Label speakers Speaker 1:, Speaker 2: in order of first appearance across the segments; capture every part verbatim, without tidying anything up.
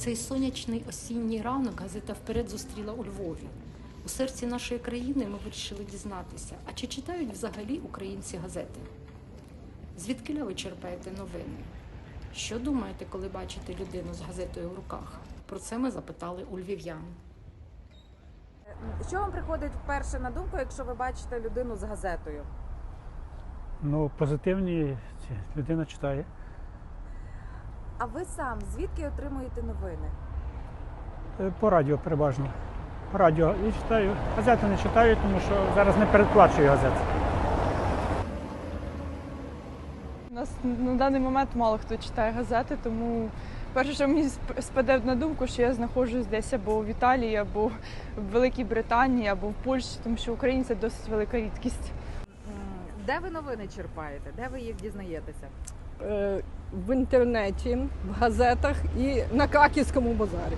Speaker 1: цей сонячний осінній ранок газета «Вперед» зустріла у Львові. У серці нашої країни ми вирішили дізнатися, а чи читають взагалі українці газети? Звідкиля ви черпаєте новини? Що думаєте, коли бачите людину з газетою в руках? Про це ми запитали у львів'ян.
Speaker 2: Що вам приходить вперше на думку, якщо ви бачите людину з газетою?
Speaker 3: Ну, позитивні, людина читає.
Speaker 2: А ви сам звідки отримуєте новини?
Speaker 3: По радіо переважно. По радіо і читаю. Газети не читаю, тому що зараз не передплачую газети.
Speaker 4: У нас на даний момент мало хто читає газети, тому перше, що мені спаде на думку, що я знаходжусь десь або в Італії, або в Великій Британії, або в Польщі, тому що Україні це досить велика рідкість.
Speaker 2: Де ви новини черпаєте? Де ви їх дізнаєтеся?
Speaker 5: В інтернеті, в газетах і на Краківському базарі.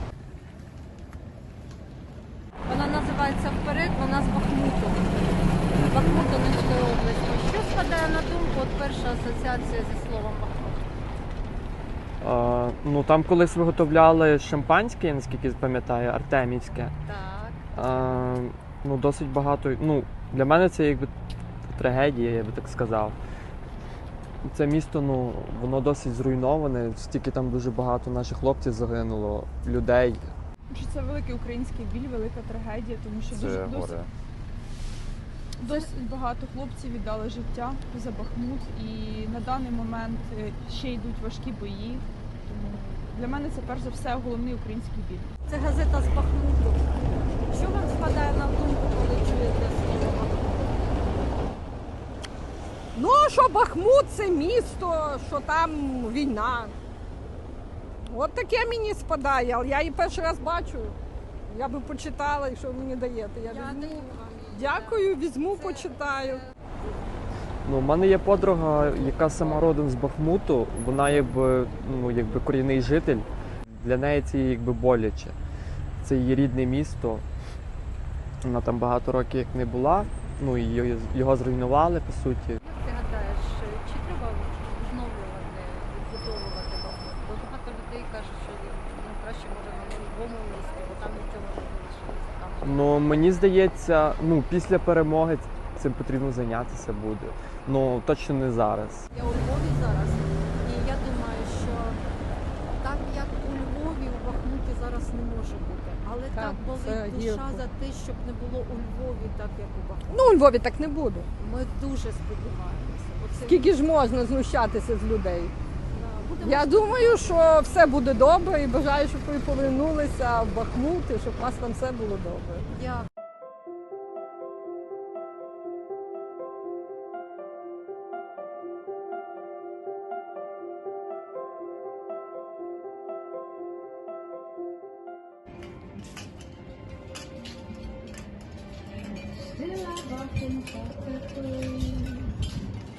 Speaker 6: Вона називається «Вперед», вона з Бахмуту. Бахмут Донецької області. Що спадає на думку, от перша асоціація зі словом Бахмут?
Speaker 7: А, ну там колись виготовляли шампанське, наскільки пам'ятаю, артемівське.
Speaker 6: Так.
Speaker 7: А, ну досить багато. Ну для мене це якби трагедія, я би так сказав. Це місто, ну воно досить зруйноване. Стільки там дуже багато наших хлопців загинуло, людей.
Speaker 4: Що це великий український біль, велика трагедія, тому що дуже
Speaker 8: Це
Speaker 4: досить,
Speaker 8: горе.
Speaker 4: досить багато хлопців віддали життя за Бахмут, і на даний момент ще йдуть важкі бої. Тому для мене це перш за все головний український біль.
Speaker 6: Це газета з Бахмуту. Що вам спадає на думку, коли чуєте слово Бахмут?
Speaker 5: Ну, що Бахмут – це місто, що там війна. От таке мені спадає, але я її перший раз бачу. Я би почитала, якщо ви мені даєте. Я візьму. Дякую, візьму, почитаю.
Speaker 7: Ну, у мене є подруга, яка сама родом з Бахмуту. Вона якби, ну, якби корінний житель. Для неї це якби боляче. Це її рідне місто. Вона там багато років як не була. Ну, і його зруйнували, по суті.
Speaker 6: Як ти гадаєш, чи треба відновлювати, відбудовувати Бахмут? Бо багато людей кажуть, що ну, краще може на новому місці, бо там нічого не залишилося. Там...
Speaker 7: Ну, мені здається, ну, після перемоги цим потрібно зайнятися буде. Ну, точно не зараз.
Speaker 6: Я у Львові зараз, і я думаю, що так, як у Львові, у Бахмуті зараз не може бути. Але
Speaker 5: Так,
Speaker 6: так
Speaker 5: це
Speaker 6: болить душа
Speaker 5: гірко.
Speaker 6: за те, щоб не було у Львові так, як у Бахмуті.
Speaker 5: Ну, у Львові так не буде.
Speaker 6: Ми дуже сподіваємося. Оце
Speaker 5: Скільки ж можна знущатися з людей?
Speaker 6: да, будемо
Speaker 5: Я думаю, що все буде добре і бажаю, щоб ви повернулися в Бахмут і щоб у вас там все було добре.
Speaker 6: дякувати.
Speaker 9: Still I walk in past the